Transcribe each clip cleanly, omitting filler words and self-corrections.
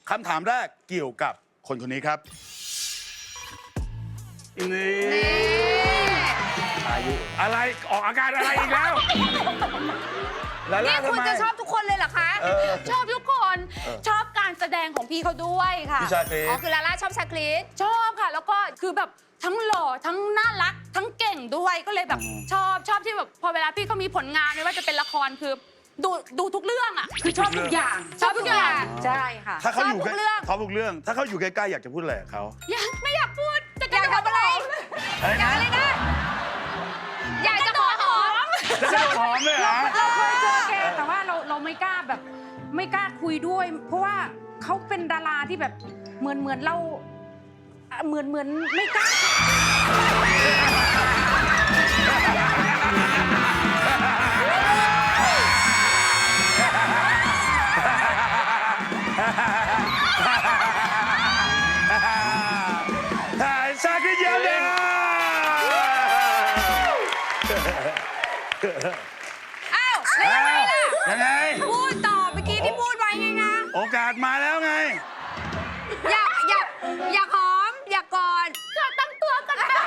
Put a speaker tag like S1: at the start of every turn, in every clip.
S1: คำถามแรกเกี่ยวกับคนคนนี้ครับนี่อายุอะไรออกอาการอะไรอีกแล้ว
S2: นี่คุณจะชอบทุกคนเลยเหรอคะ
S3: ชอบทุกคนชอบการแสดงของพี่เขาด้วยค่ะ
S1: พี่ชาคริส
S2: อ๋อคือลาล่าชอบชาคริส
S3: ชอบค่ะ แล้วก็คือแบบทั้งหล่อทั้งน่ารักทั้งเก่งด้วยก็เลยแบบชอบที่แบบพอเวลาพี่เขามีผลงานไม่ว่าจะเป็นละครคือดูทุกเรื่องอ่ะคือชอบทุกอย่างชอบทุกอย่างใช่ค่ะ
S1: ถ้าเขาอยู่
S2: ชอบทุกเรื่อง
S1: เขาทุกเรื่อง ถ้าเขาอยู่ใกล้ๆอยากจะพูดอะไรกับเขา
S3: ไม่อยากพูดจะ
S2: อยากทำอะไร อยากอะไรนะ อยากจะขอหอม
S1: จะได้หอมเลยเหรอ
S4: เราเคยเจอแกแต่ว่าเราไม่กล้าแบบไม่กล้าคุยด้วย เพราะว่าเขาเป็นดาราที่แบบเหมือนเราเหมือนไม่กล้า
S1: ชาคริสเยี่ยมเลย
S2: อ้าวแล้วยังไงล่ะ
S1: ยังไง
S2: พูดต่อเมื่อกี้ที่พูดไว้ไงคะ
S1: โอกาสมาแล้วไง
S2: อยากหอม อยากกอด
S3: เธอตั้งตัวกันไป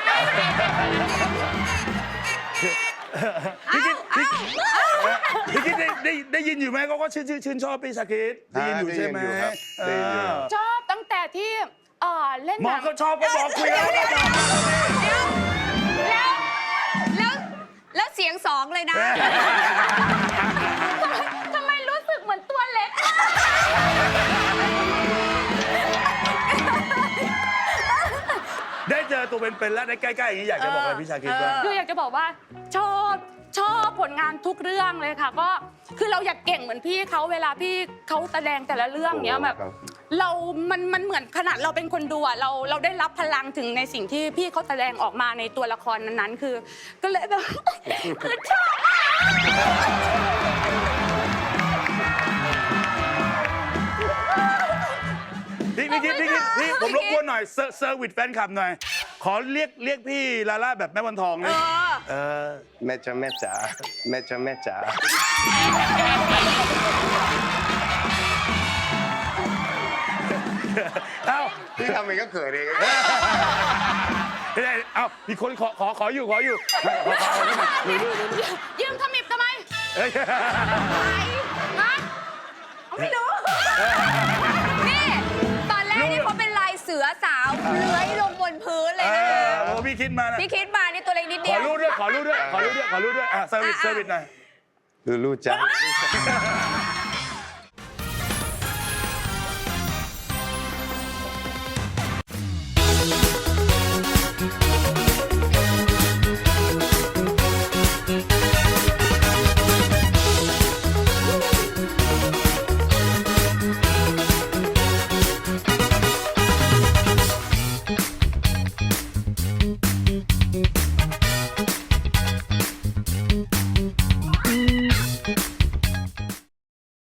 S1: พี่คิดได้ยินอยู่ไหมเขาก็ชื่นชอบพี่ชาคริสได้ยินอยู่ใช่ไหม
S5: ได้ยินอยู่ครับ
S3: ชอบตั้งแต่ที่เล่น
S1: หม
S3: ห
S1: อ
S3: นัง
S1: ก็ชอบก็บอกคุยแล้ว
S2: แล้วเสียงสองเลยนะ
S3: ทำไมรู้สึกเหมือนตัวเล็ก
S1: ได้เจอตัวเป็นๆแล้วได้ใกล้ๆอย่างนี้อยากจะบอกอะไรพี่ชาคริสบ้าง
S3: คืออยากจะบอกว่าชอบผลงานทุกเรื่องเลยค่ะ ก็คือเราอยากเก่งเหมือนพี่เขาเวลาพี่เขาแสดงแต่ละเรื่องเนี้ยแบบ
S5: ครับ
S3: มันเหมือนขนาดเราเป็นคนดูอะเราได้รับพลังถึงในสิ่งที่พี่เขาแสดงออกมาในตัวละครนั้นๆ คือ ก็เลยแบบ คือชอบ
S1: พี่ผมรบกวนหน่อยเซอร์วิสแฟนคลับหน่อย ขอเรียกพี่ลาล่าแบบแม่วันทองเลยอ
S5: แม่จ๋าแม่จ๋าแม่จ๋าแม่จ๋า
S1: เอ้า
S5: พี่ทำเองก็เขินเอง
S1: ไม่ได้เอ้ามีคนขออยู่ขออยู่
S3: ยืมขมิบทำไม
S1: เฮ้ย
S3: ฮะไม่รู้
S2: นี่ ตอนแรกนี่เขาเป็นลายเสือสาวเลื้อยลงบนพื้นเลยนะคะ
S1: โอ้พี่คิดมานะ
S2: พี่คิดมานี่ตัวเล็กนิด
S1: ข
S2: เดี
S1: อ
S2: ยว
S1: รูปด้วยอ่ะเซอร์วิสหน่อย
S5: ลูลูจ๋า